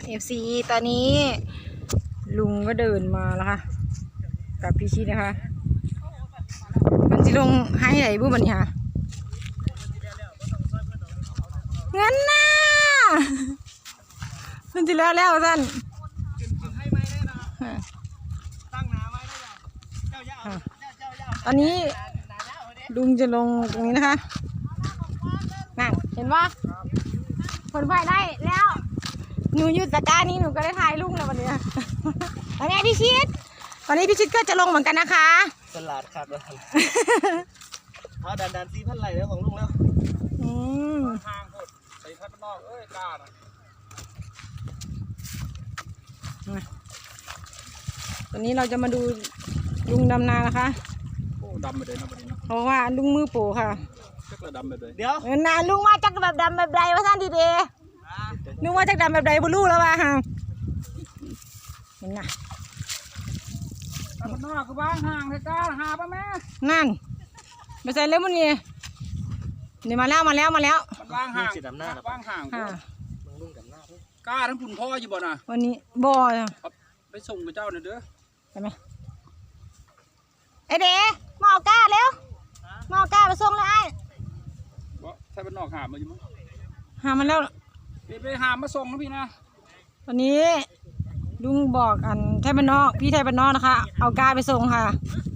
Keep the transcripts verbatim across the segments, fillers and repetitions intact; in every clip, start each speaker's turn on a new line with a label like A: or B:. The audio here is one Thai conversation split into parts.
A: เอฟซีตอนนี้ลุงก็เดินมาแล้วค่ะกับพี่ชิดนะคะมันจะลงให้ไหนบุ้บันนี้ค่ะเงินน่ะมันจะแล้วแล้วท่านตอนนี้ลุงจะลงตรงนี้นะคะนั่นเห็นว่าผลไฟได้แล้วหนูอยู่ตะกร้านี้หนูก็ได้ถ่ายลุงแล้ววันนี้อันนี้พี่ชิดวันนี้พี่ชิดก็จะลงเหมือนกันนะคะ
B: สลัดขาดแล้วเอาดันดันซีพันไหลแล้วของลุงแล้ว
A: อืม
B: ทางหดใส่พันนอกเอ้ยกล้านะ
A: ตอนนี้เราจะมาดูลุงดำนานะคะ
B: โอ้ดำไปเลยนะประเด็นนะ
A: เพราะว่าลุงมือโปค่ะ
B: จักระดำไปเลยเดี๋ยว
A: นาลุงว่าจักแบบดำแบบใดวะท่านดีเดนึกว่าจักดำแบบใดบุรู้แล้วว่ะฮะเห็นไง
B: พันนอกคือบ้างห่างใส่กล้าหาป่ะแม่
A: นั่นไม่ใช่เล่มมันนี่นี่มาแล้วมาแล้วมาแล้ว
B: มันว่างห่างสิดำหน้าว่างห่าง
A: ค่ะ
B: ลุงดำหน้ากล้าทั้งคุณพ่ออยู่บ่น่ะ
A: วันนี้บ่อ
B: ไปส่งกับเจ้าหน่อยเด้อ
A: ใช่ไหมไอเด๋มาเอาก้าเร็วมาเอาก้าไปส่งเลยไอ้
B: บ่ใช่เป็นนอกหามาอยู่มั้ง
A: หามันแล้ว
B: ไปไปหามาส่งนะพี่นะ
A: วันนี้ลุงบอกอันไทยบ้านนอกพี่ไทยบ้านนอกนะคะเอาก้าไปส่งค่ะ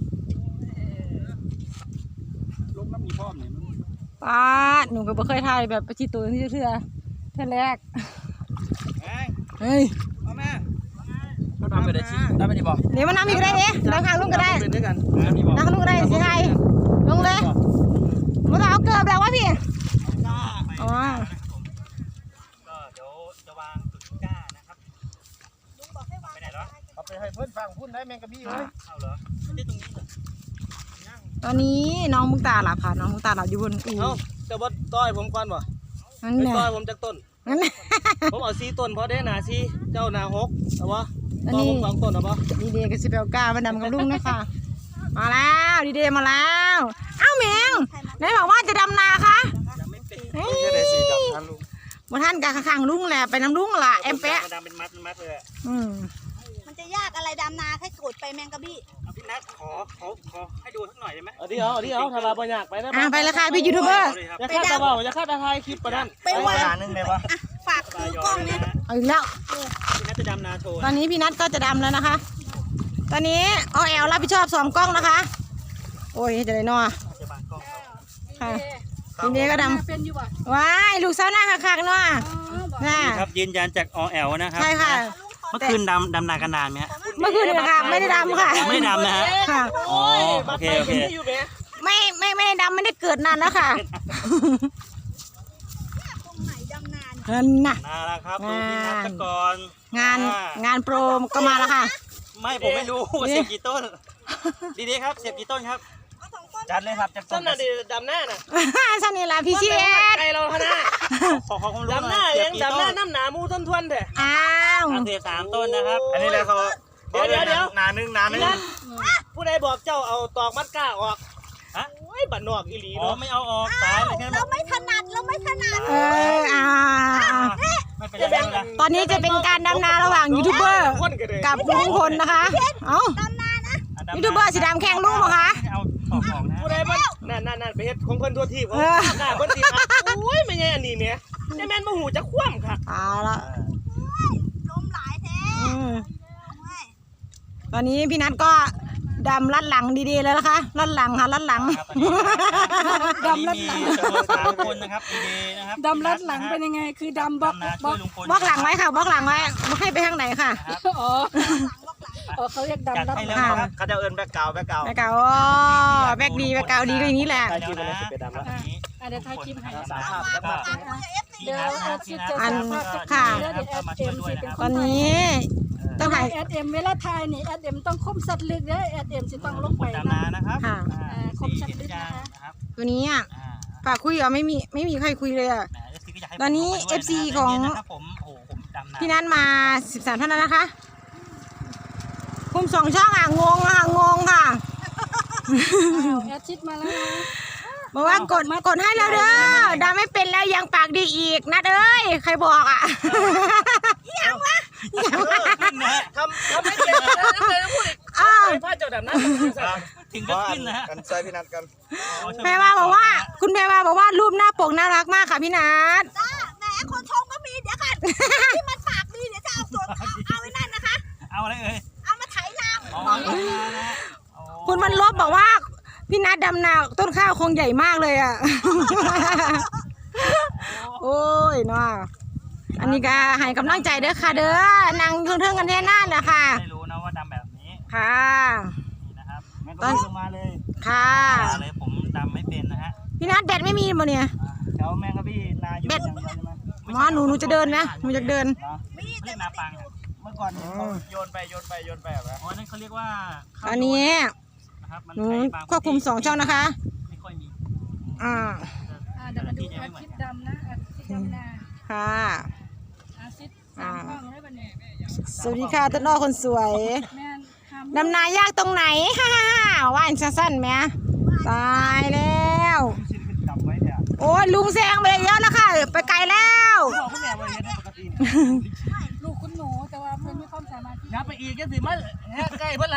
B: ลงน้ำมีพ่อมเนี่ย
A: ป้าหนูก็ไม่เคยถ่ายแบบประชิดตัวที่เชื่อท่านแรกเฮ้ย
B: แม่เขาทำไปได้ชิทำไปได้บอก
A: เดี๋ยวมันน้ำอีกได้เนี่ยนั่งข้างลุงก็ได้นั่งลุงก็ได้สิไงลงเลยมันเอาเกลือแล้ววะพี่อ๋อ
B: ก็เดี๋ยวจะวางจุดก้านะครับลุงบอกให้วางไปไหนแล้วเอาไปให้เพื่อนฟังพูดได้แมงกะบี้เลยเอาเหรอไม่ได้ตรงนี้เหรอ
A: ตอนนี้น้องมุกตาหลับค่ะน้องมุกตาหลับอยู่บนอู่
B: เอ้าจะบดต้อยผมก่อนบ่
A: นั่นแหละ
B: ต้อยผมจากต้น
A: นั่นแหละ
B: ผมเอาซีต้นเพราะได้หนาซีเจ้าหนาหกเอาวะต้นผมสองต้นเอาวะ
A: ดีเดย์กับสิเปลก้ามาดำกับลุงนะคะมาแล้วดีเดย์มาแล้วเอ้าเมียงไหนบอกว่าจะดำนาคะเฮ้ยมาท่านกับข้างลุงแหละไปน้ำลุงล่ะแอมเป๊ะ
B: ดำเป็นมัดมัดเลย
A: อืม
C: มันจะยากอะไรดำนาแค่กดไปแมงกะบี้
B: พี่นัทขอขอขอให้ดูสักหน่อยได้ไหมเอาดิเอาเอาดิเอาทำมาปัญญาไปนะ
A: อ่ะไปเลยค่ะพี่ยูทูบเบอร์
B: จะฆ่าตาบ่าวจะฆ่าตาไทยคลิปประดัน
C: ไปวัน
B: นึงเลยวะ
C: ฝากซื้อกล้องเนี่ย
A: เอาอีกแล้ว
B: พี่นัทจะดำนาโชว์
A: ตอนนี้พี่นัทก็จะดำแล้วนะคะ ตอนนี้ออแอลรับผิดชอบสองกล้องนะคะโอ้ยจะได้นอค่ะทีนี้ก็ดำว้ายลูกสาวหน้าคักๆเนาะ
B: ครับยืนยันจากอแอลนะครับ
A: ใช่ค่ะ
B: เมื่อคืนดำดำนากันนานไหมฮะ
A: เมื่อคืนนะคะไม่ได้ดำค่ะ
B: ไม่ได้ดำนะฮะ
A: ค่ะ
B: อ๋อโอเคโอเค
A: ไม่ไม่ไม่ได้ดำไม่ได้เกิดนานแล้วค่ะ
C: ตรงไหนดำนา
A: เงินน่ะ
B: นาแล้วครับดูพี่นัทก่อน
A: งานงานโปรก็มาแล้วค่ะ
B: ไม่ผมไม่รู้เสียบกี่ต้นดีๆครับเสียบกี่ต้นครับจัดเลยครับจัดต้นน่ะดีดำหน้าน่ะ
A: ชั้นนี่แหละพี่เชียร์
B: ไอเราขนาดขอความรู้ดำหน้าเองดำหน้าน้ำหนามูต้นทวนเถอะ
A: อ้าว
B: เสียบสามต้นนะครับอันนี้เลยเขาเดี๋ยวเดี๋ยวเดี๋ยวหนาหนึ่งหนาหนึ่งผู้ใดบอกเจ้าเอาตอกมัดก้าออกฮะโอ้ยบัดนอกอีหลีเนาะไม่เอาออกตายเลย
C: เราไม่ถนัดเราไม่ถนัด
A: เอออ่าตอนนี้จะเป็นการดำนาระหว่างยูทูบเบอร์กับลุงพลนะคะเอ้า
C: ดำนานะ
A: ยูทูบเบอร์สีดำแข่งลุงเหรอคะ
B: ผู้ใดบ้างนั่นนั่นนั่นไปเฮ็ดของเพิ่นทั่วที่เขาหน้าเพิ่นสิครับโอ้ยไม่ใช่อันนี้เนี่ยจะแม่นมาหูจะคว่ำค่ะ
A: ตายละ
C: ลมหลายแท้
A: ตอนนี้พี่นัทก็ดำลัดหลังดีๆเลยนะคะลัดหลังค่ะลัดหลัง
B: ดำลัดหลังสามคนนะครับดีๆนะครับ
A: ดำลัดหลังเป็นยังไงคือดำบล็อกบล็อกบล็อกหลังไว้ค่ะบล็อกหลังไว้ไม่ให้ไปทางไหนค่ะอ๋ออ๋อเขาเรียกดำลัดหลัง
B: เขาจะเอิ้นแบกเก่าแบกเก่า
A: แบกเก่าอ๋อแบกดีแบกเก่าดีก็อย่างนี้แหละ
B: เดี๋ยวถ่ายคลิปให้สามภาพแล้ว
A: เดี๋ยวอันค่ะตอนนี้
D: ต้องถ่ายแอดเอ็มเวลาถ่ายนี่แอดเอ็มต้องคมสัตว์ลึกเด้อแอดเอ็มจะต้องลงไป
B: นะนะครับ
D: คมสัตว์ลึกนะคะ
A: ตัวนี้อ่ะฝากคุยอ่ะไม่มีไม่มีใครคุยเลยอ่ะตอนนี้ เอฟ ซี ของพี่นัทมาสิบสามท่านแล้วนะคะคุมสองช่องอ่ะงงอ่ะงงค่ะ
D: แอดชิดมาแล้วนะ
A: บอกว่ากดกดให้แล้วเด้อดาไม่เป็นแล้วยังปากดีอีกนัดเอ้ยใครบอกอ่ะ
C: ยังวะ
B: ถึงก็ขึ้นนะฮะ
E: กันใส่พี่นัดกัน
A: แพรวาบอกว่า คุณแพรวาบอกว่ารูปหน้าปกน่ารักมากค่ะพี่นัท
C: จ้าแหมคนชมก็มีเดี๋ยวกันที่มันปากดีเดี๋ยวจะเอาส่วนเอาเอาไว้นั่นนะคะ
B: เอาอะไรเอ่ย
C: เอามาไถนา
B: อ๋อนะ
A: คุณมันลบบอกว่าพี่นัทดำนาต้นข้าวคงใหญ่มากเลยอ่ะ โอ้ยเนาะอันนี้ก็ให้กำลังใจเด้อค่ะเด้อนางเทิงๆกันแท่นั่นแหละค่ะ
B: ไม่รู้นะว่าดำแบบนี้
A: ค่ะ
B: นี่นะครับแม่ก็ลงมาเลย
A: ค่ะ
B: มาเลยผมดำไม่เป็นนะฮะ
A: พี่นัทแบตไม่มีบ่เนี่ย
B: แถวแมงกะพี่นาอยู่อย่างเดียวใช่ไหม
A: หมอหนูหนูจะเดินไหมหนูจะเดิน
C: มีแต่
B: เรียกนาปังเมื่อก่อนเขาโยนไปโยนไปโยนไปแบบอ๋อนั่นเขาเรียกว่า
A: อันนี้
B: นะครับมัน
A: หนู
B: ใช้าง
A: ควบคุมสองช่องนะคะ
B: ไม่ค่อยมี
A: อ่า
D: อ่าเดี๋ยวมาดูอาทิตย์ดำนะอาทิตย์ดำนา
A: ค่ะ
D: อาทิตย์สามห้องเลยวันนี้
A: สวัสดีค่ะต้นอ้อคนสวย
D: แม่นทำ
A: ดำนายากตรงไหน ฮ่าฮ่าฮ่าว่านสั้นๆไหมตายแล้ว
B: จับไว้เนี่ย
A: โอ้ยลุงแซงไปเยอะแล้วค่ะ ไปไกลแล้ว
B: บอกคุณแม่ว่าอย่างนี้ปกติ
D: ลูกคุณหนูแต่ว่าเพื่อนมีความสามารถที่
B: งับไปอีกก็สิมันแฮะใกล้เพื่อนไร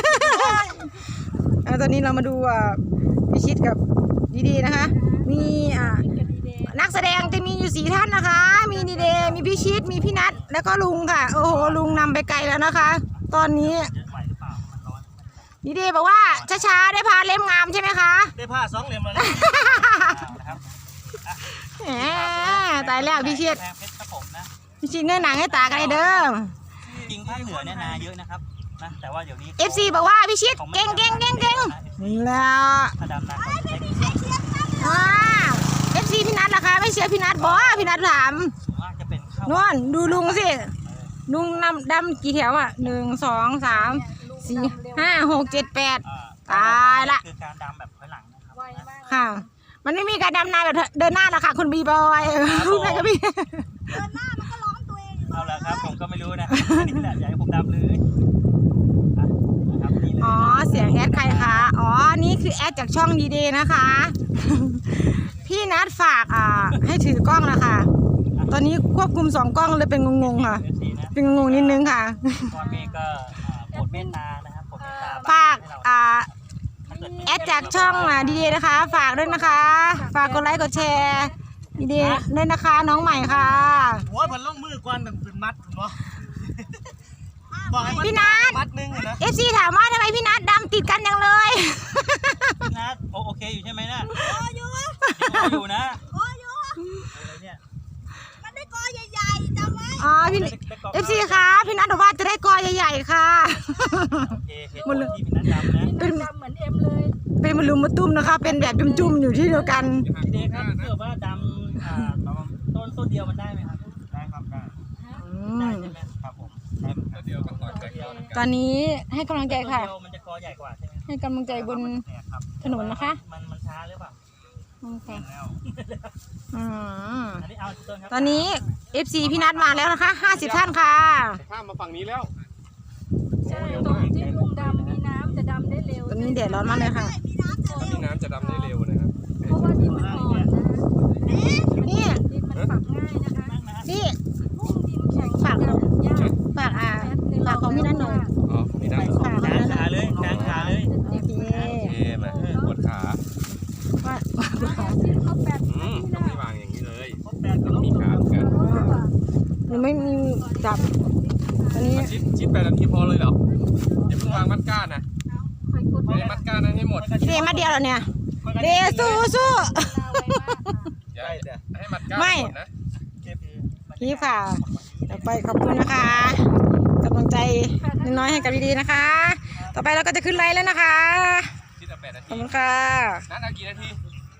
A: อ่าตอนนี้เรามาดูอ่าพิชิตกับดีๆนะคะ มีอ่า
D: คิดกันดีเดย์
A: นักแสดงจะมีอยู่สี่ท่านนะคะ มีดีเดย์มีพิชิต มีพี่นัท แล้วก็ลุงค่ะ โอ้โห ลุงนำไปไกลแล้วนะคะ ตอนนี้
B: เยอะไหวหรือเปล่ามันร้อน
A: ดีเดย์บอกว่าช้าๆได้พาเล่มงามใช่ไหมคะ
B: ได้ผ้าสองเหลี่ยมมาเลยนะครับ
A: แหมตายแล้วพิชิต
B: แพงเพชรครับผมนะ
A: พิชิตเนื้อหนังให้ตากันเลยเด้อ
B: จริงภาคเหนือเนี่ยนาเยอะนะครับนะแต่ว่าเดี๋ยวนี้
A: เอฟซีบอกว่าพิชิตเก่งเก่งเก่งเก่งแล้ว
B: ถ้าดำนาเขาจะใช้
A: อ่าเอฟซีพี่นัทล่ะคะไม่เชื่อพี่นัทบอกพี่นัทถาม
B: ส่วนมากจะเป็นข้าวน
A: วลดูลุงสิลุงนำดำกี่แถวอ่ะหนึ่งสองสามสี่ห้าหกเจ็ดแปด ตายละ
B: คือการดำแบบถอยหลังนะครับ
D: ไวมาก
A: ค่ะ มันไม่มีการดำนาแบบเดินหน้าหรอกค่ะคุณบีบอยพูดไปกับพี่
C: เดินหน้ามันก็ร้องตัวเองอยู่
B: เอาละครับผมก็ไม่รู้นะนี่แหละอยากให้ผมดำเลยอ่ะนะครับนี่เลย
A: อ๋อเสียงแอดใครคะอ๋อนี่คือแอดจากช่องดีเดย์นะคะ พี่นัทฝากอ่าให้ถือกล้องนะคะตอนนี้ควบคุมสองกล้องเลยเป็นงงๆค่ะ
B: เอฟซีนะ
A: เป็นงงๆนิดนึงค่ะ
B: ก่อนเมย์ก็อ่าโปรดเมตตานะครับโปรดเมตตา
A: ฝาก
B: ให้เรา
A: อ่า
B: ถ้าเกิดไม่
A: แอดจากช่องอ่ะดีเดย์นะคะ ฝากด้วยนะคะ ฝากกดไลค์กดแชร์ดีเดย์ด้วยนะคะน้องใหม่ค่ะ
B: โอ้ยมันลงมือก่อนเป็นมัดเนาะบอกให้มัน
A: พี่นัท
B: มัดหนึงอะนะ
A: เอฟซีถามว่าทำไมพี่นัทดำติดกันจังเลย
B: พี่นัทโอโอเคอยู่ใช่ไหมนะ
C: กออยู่
B: ยังอยู่นะ
C: กออยู่
B: อะไรเนี่ย
C: มันได้กอใหญ่ๆจำไว้
A: อ๋อพี่เอฟซีคะพี่นัทบอกว่าจะได้กอใหญ่ๆค่ะ
B: โอเคเหตุผลที่พี่นัทดำนะ
A: เป็น
D: ดำเหมือนเอ็มเลย
A: เป็นมะลุมมะตุ้มนะคะ เป็นแบบจุ่มๆอยู่ที่เดียวกัน
B: พี่เดชครับถ้าเกิดว่าดำอ่าประมาณต้นต้นเดียวมันได้ไหมครับได้ครับได้
A: อื
B: ได้
A: ม
B: ใช่ไหมครับผมต้นเดียวก็ต่อเดียวนะ
A: ตอนนี้ให้กำลังใจค่ะ
B: ต้นเดียวมันจะกอใหญ่กว่าใช่ไหม
A: ให้กำลังใจบน
B: เนี่ยครับ
A: ถนนนะคะ
B: มันมันช้าหรือเปล่า
A: อืมค่ะ
B: แล้ว
A: อืม
B: อันนี้เอาต้นครับ
A: ตอนนี้ เอฟซี พี่นัทมาแล้วนะคะห้าสิบท่านค่ะ
E: ข้ามมาฝั่งนี้แล้ว
D: ใช่ตรงที่ลุงดำมีน้ำจะดำได้เร็ว
A: ตอนนี้แดดร้อนมากเลยค่ะ
C: มีน้ำจะ
E: ตอน
C: เร็
E: นี้
C: ว
E: น้ำจะดำได้เร็วนะครับ
D: เพราะว่าดินมันอ่อนนะ
A: นี่
D: ดินมันฝักง่ายนะคะ
A: นี่
D: ยิ่งดินแข็ง
A: ฝาก
D: ดำยาก
A: ฝากอ่าฝากของพี่นัทหน่อย
E: อ๋อมีน้ำ
A: ฝากของ
B: กลาง
A: พี่นัทหน่
B: ขา
A: อย
B: เลยกลางขาเลย
A: โอเค
E: โอเคมาปวดขา
A: ว่า
D: ที่เขาแปด
E: อืม
D: ที่
E: ต้อง
D: นะ
E: ไม่วางอย่างนี้เลย
B: ครบแปดก็
E: ต้องมีขาเหมือนกัน
A: หนูไม่มีจับตอนนี้
E: ชิดชิดแปดนาทีพอเลยเหรออย่าเพิ่งวางมัดก้านนะ
D: คอยกด
E: ไม่ได้มัดก้านนั้นให้หมด
A: เดมาเดียวแล้วเนี่ยเดสู้สู้
E: อย่าให้มัดก้าน
A: ไม่
E: หมดนะ
A: พี่ค่ะต่อไปขอบคุณนะคะกำลังใจน้อยๆให้กับดีๆนะคะ ต่อไปเราก็จะขึ้นไลน์แล้วนะคะ
E: ชิดเอาแปดนา
A: ข
E: ที
A: อบคุณค่ะ
E: นัดเอากี่นาที